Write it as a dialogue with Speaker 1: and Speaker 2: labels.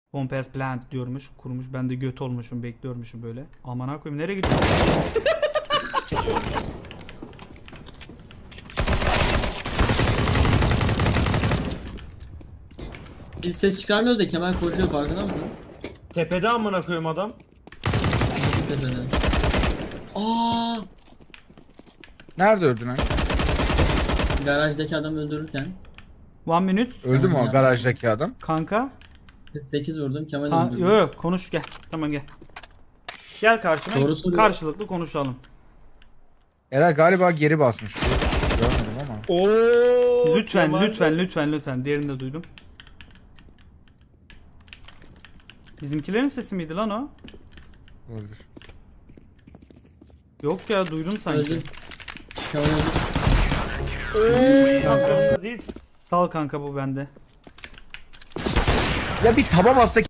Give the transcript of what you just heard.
Speaker 1: Pompes plant diyormuş. Kurmuş. Ben de göt olmuşum. Bekliyormuşum böyle. Aman ha koyayım. Nereye gidiyorsun?
Speaker 2: Biz ses çıkarmıyoruz da Kemal koşuyor, farkında mısın?
Speaker 3: Tepede amına koyayım adam.
Speaker 2: Tepeden. Aa,
Speaker 4: Nerede öldün lan?
Speaker 2: garajdaki adamı öldürürken
Speaker 1: 1 minute.
Speaker 4: Öldü mü o garajdaki adam?
Speaker 1: Kanka.
Speaker 2: 48 vurdum, Kemal öldürdü.
Speaker 1: Yok yok konuş gel. Tamam gel. Gel karşıma.
Speaker 2: Doğru soruyor.
Speaker 1: Karşılıklı konuşalım.
Speaker 4: Eray galiba geri basmış. Görmedim ama.
Speaker 3: Oo.
Speaker 1: Lütfen
Speaker 3: Kemal
Speaker 1: lütfen lütfen lütfen. Diğerini de duydum. Bizimkilerin sesi miydi lan o?
Speaker 4: Olabilir.
Speaker 1: Yok ya duydum sanki.
Speaker 2: Öldü. Kemal öldü.
Speaker 3: Kanka, diz.
Speaker 1: Sal kanka bu bende.
Speaker 4: Ya bir taba bassak